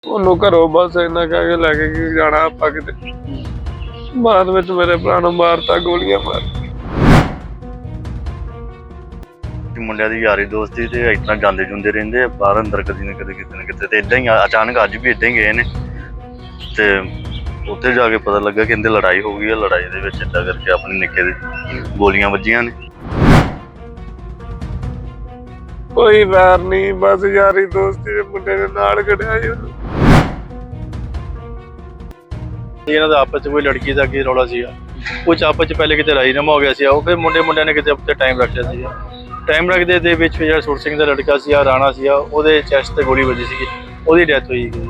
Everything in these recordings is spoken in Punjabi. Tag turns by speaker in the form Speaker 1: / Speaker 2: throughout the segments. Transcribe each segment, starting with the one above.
Speaker 1: ਉਹਨੂੰ ਘਰੋਂ ਬਸ ਇੰਨਾ ਕਹਿ ਕੇ ਲੈ ਕੇ ਕਿ ਜਾਣਾ ਆਪਾਂ ਕਿਤੇ। ਬਾਅਦ ਵਿੱਚ ਮੇਰੇ ਭਰਾ ਨੂੰ ਮਾਰਤਾ, ਗੋਲੀਆਂ ਮਾਰ।
Speaker 2: ਮੁੰਡਿਆਂ ਦੀ ਯਾਰੀ ਦੋਸਤੀ ਤੇ ਇਸ ਤਰ੍ਹਾਂ ਜਾਂਦੇ ਜੁੰਦੇ ਰਹਿੰਦੇ ਬਾਹਰ ਅੰਦਰ, ਕਦੀ ਨਾ ਕਦੇ ਕਿਤੇ ਨਾ ਕਿਤੇ। ਤੇ ਇਦਾਂ ਹੀ ਅਚਾਨਕ ਅੱਜ ਵੀ ਇਦਾਂ ਹੀ ਗਏ ਨੇ ਤੇ ਉੱਥੇ ਜਾ ਕੇ ਪਤਾ ਲੱਗਾ ਕਿ ਇਹਦੇ ਲੜਾਈ ਹੋ ਗਈ ਹੈ। ਲੜਾਈ ਦੇ ਵਿੱਚ ਏਦਾਂ ਕਰਕੇ ਆਪਣੇ ਨਿੱਕੇ ਦੇ ਗੋਲੀਆਂ ਵੱਜੀਆਂ ਨੇ।
Speaker 1: ਕੋਈ ਵੈਰ ਨਹੀਂ, ਬਸ ਯਾਰੀ ਦੋਸਤੀ ਦੇ ਮੁੰਡੇ ਦੇ ਨਾਲ ਖੜਿਆ ਸੀ ਉਹਨੂੰ।
Speaker 3: ਇਹਨਾਂ ਦਾ ਆਪਸ 'ਚ ਕੋਈ ਲੜਕੀ ਦਾ ਕੀ ਰੌਲਾ ਸੀਗਾ, ਕੁਝ ਆਪਸ 'ਚ ਪਹਿਲੇ ਕਿਤੇ ਰਾਜੀਨਾਮਾ ਹੋ ਗਿਆ ਸੀ। ਉਹ ਫਿਰ ਮੁੰਡਿਆਂ ਨੇ ਕਿਤੇ ਉੱਤੇ ਟਾਈਮ ਰੱਖਿਆ ਸੀਗਾ। ਟਾਈਮ ਰੱਖਦੇ ਦੇ ਵਿੱਚ ਜਿਹੜਾ ਸੁਰ ਸਿੰਘ ਦਾ ਲੜਕਾ ਸੀ ਰਾਣਾ ਸੀ, ਉਹਦੇ ਚੈਸਟ ਤੇ ਗੋਲੀ ਵੱਜੀ ਸੀਗੀ, ਉਹਦੀ ਡੈਥ ਹੋਈ ਗਈ।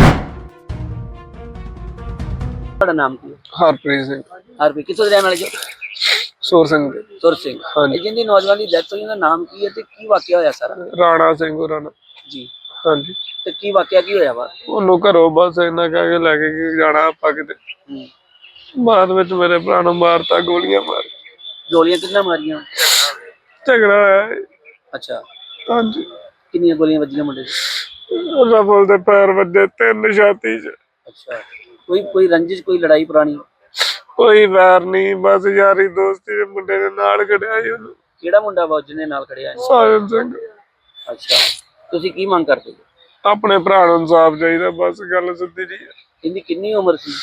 Speaker 4: ਤੁਹਾਡਾ ਨਾਮ ਕੀ ਹੈ?
Speaker 1: ਹਰਪ੍ਰੀਤ ਸਿੰਘ।
Speaker 4: ਹਰਪ੍ਰੀਤ ਕਿੱਥੋਂ ਦੇ ਰਹਿਣ ਵਾਲੇ ਜੀ?
Speaker 1: ਸੁਰ ਸਿੰਘ ਦੇ।
Speaker 4: ਸੁਰ ਸਿੰਘ।
Speaker 1: ਹਾਂਜੀ।
Speaker 4: ਜਿਹਦੀ ਨੌਜਵਾਨ ਦੀ ਡੈਥ ਹੋਈ, ਉਹਦਾ ਨਾਮ ਕੀ ਹੈ ਤੇ ਕੀ ਵਾਕਿਆ ਹੋਇਆ ਸਾਰਾ?
Speaker 1: ਰਾਣਾ ਸਿੰਘ ਹੋਰਾਂ ਨਾਲ।
Speaker 4: ਜੀ।
Speaker 1: ਹਾਂਜੀ।
Speaker 4: ਤੇ ਕੀ ਵਾਕਿਆ ਕੀ ਹੋਇਆ ਵਾ?
Speaker 1: ਉਹਨੂੰ ਘਰੋਂ ਬਸ ਇੰਨਾ ਕਹਿ ਕੇ ਲੈ ਕੇ ਕਿ ਜਾਣਾ ਆਪਾਂ ਕਿਤੇ। ਬਾਅਦ ਵਿੱਚ ਮੇਰੇ ਭਰਾ ਨੂੰ ਮਾਰਤਾ, ਗੋਲੀਆਂ ਮਾਰ।
Speaker 4: ਗੋਲੀਆਂ ਕਿੰਨਾ ਮਾਰੀਆਂ?
Speaker 1: ਝਗੜਾ ਹੋਇਆ ਹੈ।
Speaker 4: ਅੱਛਾ।
Speaker 1: ਹਾਂਜੀ।
Speaker 4: ਕਿੰਨੀਆਂ ਗੋਲੀਆਂ ਵੱਜੀਆਂ ਮੁੰਡੇ ਦੇ?
Speaker 1: ਉਹਦਾ ਬੋਲ ਦੇ ਪੈਰ ਵੱਜੇ, 3 ਛਾਤੀ 'ਚ।
Speaker 4: ਅੱਛਾ। ਕੋਈ ਰੰਜਿਸ਼, ਕੋਈ ਲੜਾਈ ਪੁਰਾਣੀ?
Speaker 1: ਕੋਈ ਵੈਰ ਨਹੀਂ, ਬਸ ਯਾਰੀ ਦੋਸਤੀ ਦੇ ਮੁੰਡੇ ਦੇ ਨਾਲ ਖੜਿਆ ਸੀ ਉਹਨੂੰ।
Speaker 4: ਕਿਹੜਾ ਮੁੰਡਾ ਵਾ ਜਿਹਨੇ ਨਾਲ ਖੜਿਆ?
Speaker 1: ਸਾਜਨ ਸਿੰਘ।
Speaker 4: ਅੱਛਾ। ਤੁਸੀਂ ਕੀ ਮੰਗ ਕਰਦੇ ਹੋ?
Speaker 1: ਆਪਣੇ ਭਰਾ ਨੂੰ ਇਨਸਾਫ ਚਾਹੀਦਾ, ਬਸ ਗੱਲ ਸਿੱਧੀ ਜੀ।
Speaker 4: ਇਹਦੀ ਕਿੰਨੀ ਉਮਰ ਸੀ?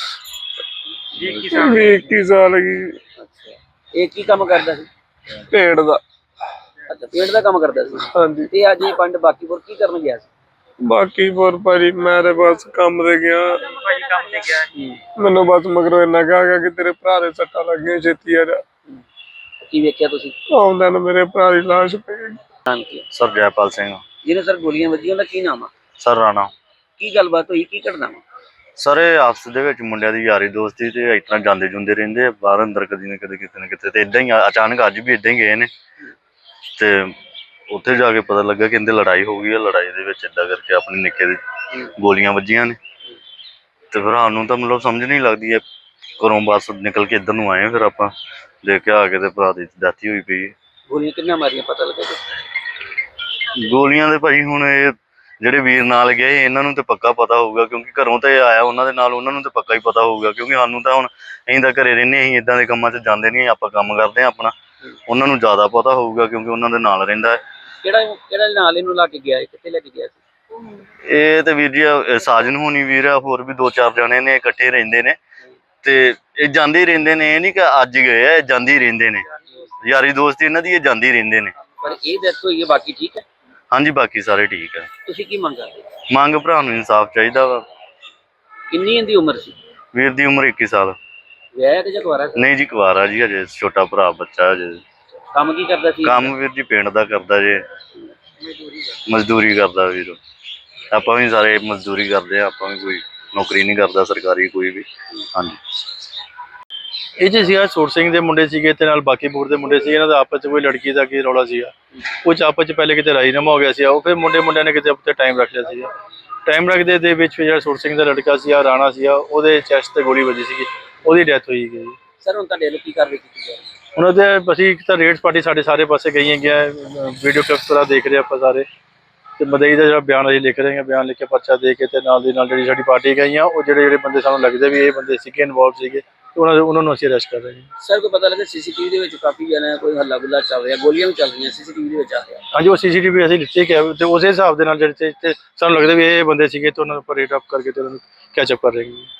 Speaker 1: 21 ਸਾਲ ਗਈ।
Speaker 4: ਅੱਛਾ। ਇਹ ਕੀ ਕੰਮ ਕਰਦਾ ਸੀ?
Speaker 1: ਪੇੜ ਦਾ।
Speaker 4: ਅੱਛਾ, ਪੇਂਟ ਦਾ ਕੰਮ ਕਰਦਾ ਸੀ।
Speaker 1: ਹਾਂਜੀ।
Speaker 4: ਤੇ ਅੱਜ ਇਹ ਪਿੰਡ ਬਾਕੀਪੁਰ ਕੀ ਕਰਨ ਗਿਆ ਸੀ?
Speaker 1: ਬਾਕੀ ਹੋਰ ਭਾਜੀ ਮੈਂ ਤੇ ਬਸ ਕੰਮ ਤੇ ਗਿਆ। ਮੈਨੂੰ ਬਸ ਮਗਰੋਂ ਇੰਨਾ ਕਿਹਾ ਗਿਆ ਕਿ ਤੇਰੇ ਭਰਾ ਦੇ ਸੱਟਾਂ ਲੱਗੀਆਂ, ਛੇਤੀ ਆ ਜਾ।
Speaker 4: ਕੀ ਵੇਖਿਆ ਤੁਸੀਂ?
Speaker 1: ਆਉਂਦਾ ਨੂੰ ਮੇਰੇ ਭਰਾ ਦੀ ਲਾਸ਼ ਪਈ।
Speaker 4: ਨਾਮ ਕੀ ਹੈ?
Speaker 2: ਸਰ ਜੈਪਾਲ ਸਿੰਘ।
Speaker 4: ਜਿਹਨੇ ਸਰ ਗੋਲੀਆਂ ਵੱਜੀਆਂ, ਉਹਦਾ ਕੀ ਨਾਮ ਆ?
Speaker 2: ਸਰ ਰਾਣਾ।
Speaker 4: ਕੀ ਗੱਲਬਾਤ ਹੋਈ, ਕੀ ਘਟਨਾ ਵਾ?
Speaker 2: ਸਰ ਇਹ ਆਪਸ ਦੇ ਵਿੱਚ ਮੁੰਡਿਆਂ ਦੀ ਯਾਰੀ ਦੋਸਤੀ ਤੇ ਇਸ ਤਰ੍ਹਾਂ ਜਾਂਦੇ ਜੁੰਦੇ ਰਹਿੰਦੇ ਬਾਹਰ ਅੰਦਰ, ਕਦੀ ਨਾ ਕਦੇ ਕਿਤੇ ਨਾ ਕਿਤੇ। ਤੇ ਇਦਾਂ ਹੀ ਅਚਾਨਕ ਅੱਜ ਵੀ ਇਦਾਂ ਹੀ ਗਏ ਨੇ ਤੇ ਉੱਥੇ ਜਾ ਕੇ ਪਤਾ ਲੱਗਾ ਕਿ ਇਹਦੇ ਲੜਾਈ ਹੋ ਗਈ ਹੈ। ਲੜਾਈ ਦੇ ਵਿੱਚ ਏਦਾਂ ਕਰਕੇ ਆਪਣੇ ਨਿੱਕੇ ਦੇ ਗੋਲੀਆਂ ਵੱਜੀਆਂ ਨੇ। ਤੇ ਫਿਰ ਸਾਨੂੰ ਤਾਂ ਮਤਲਬ ਸਮਝ ਨਹੀਂ ਲੱਗਦੀ ਹੈ। ਘਰੋਂ ਬਸ ਨਿਕਲ ਕੇ ਇੱਧਰ ਨੂੰ ਆਏ, ਫਿਰ ਆਪਾਂ ਦੇਖ ਕੇ ਆ ਕੇ ਤੇ ਭਰਾ ਦੀ ਡੈਥ ਹੋਈ ਪਈ ਹੈ।
Speaker 4: ਗੋਲੀਆਂ ਕਿੰਨਾ ਮਾਰੀਆਂ ਪਤਾ ਲੱਗਾ ਜੀ?
Speaker 2: ਗੋਲੀਆਂ ਦੇ ਭਾਈ ਹੁਣ ਇਹ ਜਿਹੜੇ ਵੀਰ ਨਾਲ ਗਏ ਇਹਨਾਂ ਨੂੰ ਤੇ ਪੱਕਾ ਪਤਾ ਹੋਊਗਾ, ਕਿਉਂਕਿ ਘਰੋਂ ਤੇ ਆਇਆ ਉਹਨਾਂ ਦੇ ਨਾਲ, ਉਹਨਾਂ ਨੂੰ ਤੇ ਪੱਕਾ ਹੀ ਪਤਾ ਹੋਊਗਾ। ਕਿਉਂਕਿ ਸਾਨੂੰ ਤਾਂ ਹੁਣ ਅਸੀਂ ਤਾਂ ਘਰੇ ਰਹਿੰਦੇ, ਅਸੀਂ ਇਦਾਂ ਦੇ ਕੰਮਾਂ 'ਚ ਜਾਂਦੇ ਨਹੀਂ, ਆਪਾਂ ਕੰਮ ਕਰਦੇ ਹਾਂ ਆਪਣਾ। ਉਹਨਾਂ ਨੂੰ ਜ਼ਿਆਦਾ ਪਤਾ ਹੋਊਗਾ ਕਿਉਂਕਿ ਉਹਨਾਂ ਦੇ ਨਾਲ ਰਹਿੰਦਾ ਹੈ।
Speaker 4: ਕਿਹੜਾ ਨਾਲ ਇਹਨੂੰ ਲਾ ਕੇ ਗਿਆ? ਕਿੱਥੇ ਲੈ ਕੇ ਗਿਆ ਸੀ?
Speaker 2: ਇਹ ਤੇ ਵੀਰ ਜੀ ਸਾਜਨ ਹੋਣੀ ਵੀਰ ਆ, ਹੋਰ ਵੀ 2-4 ਜਣੇ ਨੇ, ਇਕੱਠੇ ਰਹਿੰਦੇ ਨੇ ਤੇ ਇਹ ਜਾਂਦੇ ਹੀ ਰਹਿੰਦੇ ਨੇ। ਇਹ ਨਹੀਂ ਕਿ ਅੱਜ ਗਏ ਆ, ਇਹ ਜਾਂਦੇ ਹੀ ਰਹਿੰਦੇ ਨੇ। ਯਾਰੀ ਦੋਸਤੀ ਇਹਨਾਂ ਦੀ, ਇਹ ਜਾਂਦੇ ਹੀ ਰਹਿੰਦੇ ਨੇ।
Speaker 4: ਪਰ ਇਹ ਡੈਥ ਹੋਈ ਹੈ, ਬਾਕੀ ਠੀਕ ਹੈ?
Speaker 2: ਹਾਂਜੀ, ਬਾਕੀ ਸਾਰੇ ਠੀਕ ਆ।
Speaker 4: ਤੁਸੀਂ ਕੀ ਮੰਗ ਕਰਦੇ?
Speaker 2: ਮੰਗ ਭਰਾ ਨੂੰ ਇਨਸਾਫ ਚਾਹੀਦਾ ਵਾ।
Speaker 4: ਕਿੰਨੀ ਇਹਦੀ ਉਮਰ ਸੀ?
Speaker 2: ਵੀਰ ਦੀ ਉਮਰ 21 ਸਾਲ।
Speaker 4: ਵਿਆਹਿਆ ਕਿ ਜਾਂ ਕੁਆਰਾ ਸੀ?
Speaker 2: ਨਹੀਂ ਜੀ, ਕੁਆਰਾ ਜੀ, ਹਜੇ ਛੋਟਾ ਭਰਾ ਬੱਚਾ ਹਜੇ।
Speaker 4: ਕੰਮ ਕੀ ਕਰਦਾ ਸੀ?
Speaker 2: ਕੰਮ ਵੀਰ ਜੀ ਪਿੰਡ ਦਾ ਕਰਦਾ ਜੇ, ਮਜ਼ਦੂਰੀ ਕਰਦਾ ਵੀਰ। ਆਪਾਂ ਵੀ ਸਾਰੇ ਮਜ਼ਦੂਰੀ ਕਰਦੇ ਆ, ਆਪਾਂ ਵੀ ਕੋਈ ਨੌਕਰੀ ਨਹੀਂ ਕਰਦਾ ਸਰਕਾਰੀ ਕੋਈ ਵੀ। ਹਾਂਜੀ।
Speaker 3: ਇਹ 'ਚ ਸੀਗਾ ਸੁਰ ਸਿੰਘ ਦੇ ਮੁੰਡੇ ਸੀਗੇ ਤੇ ਨਾਲ ਬਾਕੀਪੁਰ ਦੇ ਮੁੰਡੇ ਸੀਗੇ। ਇਹਨਾਂ ਦਾ ਆਪਸ 'ਚ ਕੋਈ ਲੜਕੀ ਦਾ ਕੀ ਰੌਲਾ ਸੀਗਾ, ਕੁਝ ਆਪਸ 'ਚ ਪਹਿਲੇ ਕਿਤੇ ਰਾਜੀਨਾਮਾ ਹੋ ਗਿਆ ਸੀ। ਉਹ ਫਿਰ ਮੁੰਡਿਆਂ ਨੇ ਕਿਤੇ ਉੱਤੇ ਟਾਈਮ ਰੱਖਿਆ ਸੀਗਾ। ਟਾਈਮ ਰੱਖਦੇ ਦੇ ਵਿੱਚ ਜਿਹੜਾ ਸੁਰ ਸਿੰਘ ਦਾ ਲੜਕਾ ਸੀ ਰਾਣਾ ਸੀ, ਉਹਦੇ ਚੈਸਟ ਤੇ ਗੋਲੀ ਵੱਜੀ ਸੀਗੀ, ਉਹਦੀ ਡੈਥ ਹੋਈ ਗਈ।
Speaker 4: ਸਰ ਹੁਣ ਤੁਹਾਡੇ ਵੱਲੋਂ ਕੀ ਕਾਰਵਾਈ ਕੀਤੀ ਜਾ ਰਹੀ ਹੈ?
Speaker 3: ਉਹਨਾਂ ਦੇ ਅਸੀਂ ਇੱਕ ਤਾਂ ਰੇਡਸ ਪਾਰਟੀ ਸਾਡੇ ਸਾਰੇ ਪਾਸੇ ਗਈਆਂ ਗਿਆ, ਵੀਡੀਓ ਕਲਿੱਪਸ ਵਗੈਰਾ ਦੇਖ ਰਹੇ ਆਪਾਂ ਸਾਰੇ। ਤੇ ਮਦਈ ਦਾ ਜਿਹੜਾ ਬਿਆਨ ਅਸੀਂ ਲਿਖ ਰਹੇ ਹਾਂ, ਬਿਆਨ ਲਿਖ ਕੇ ਪਰਚਾ ਦੇ ਕੇ ਤੇ ਨਾਲ ਦੀ ਨਾਲ ਜਿਹੜੀ ਸਾਡੀ ਪਾਰਟੀ ਗਈਆਂ, ਉਹ ਜਿਹੜੇ ਬੰਦੇ ਸਾਨੂੰ ਲੱਗਦੇ ਵੀ ਇਹ ਬੰਦੇ ਸੀਗੇ ਇਨਵੋਲਵ ਸੀਗੇ, ਉਹਨਾਂ ਨੂੰ ਅਸੀਂ ਅਰੈਸਟ ਕਰ ਰਹੇ ਹਾਂ।
Speaker 4: ਸਰ ਕੋਈ ਪਤਾ ਲੱਗਾ ਸੀਸੀਟੀਵੀ ਦੇ ਵਿੱਚ ਕਾਫੀ ਜਣਾ ਕੋਈ ਹੱਲਾ ਗੁੱਲਾ ਚੱਲ ਰਿਹਾ, ਗੋਲੀਆਂ ਵੀ ਚੱਲ ਰਹੀਆਂ, ਸੀਸੀਟੀਵੀ ਦੇ ਵਿੱਚ ਆ ਰਿਹਾ?
Speaker 3: ਹਾਂਜੀ, ਉਹ ਸੀਸੀਟੀਵੀ ਅਸੀਂ ਲਿੱਤੇ ਕਿ ਤੇ ਉਸੇ ਹਿਸਾਬ ਦੇ ਨਾਲ ਜਿਹੜੇ ਸਾਨੂੰ ਲੱਗਦਾ ਵੀ ਇਹ ਬੰਦੇ ਸੀਗੇ ਤੇ ਉਹਨਾਂ ਨੂੰ ਆਪਾਂ ਰੇਟ ਅਪ ਕਰਕੇ ਤੇ ਉਹਨਾਂ ਨੂੰ ਕੈਚ ਅਪ ਕਰ ਰਹੇ ਹਾਂ।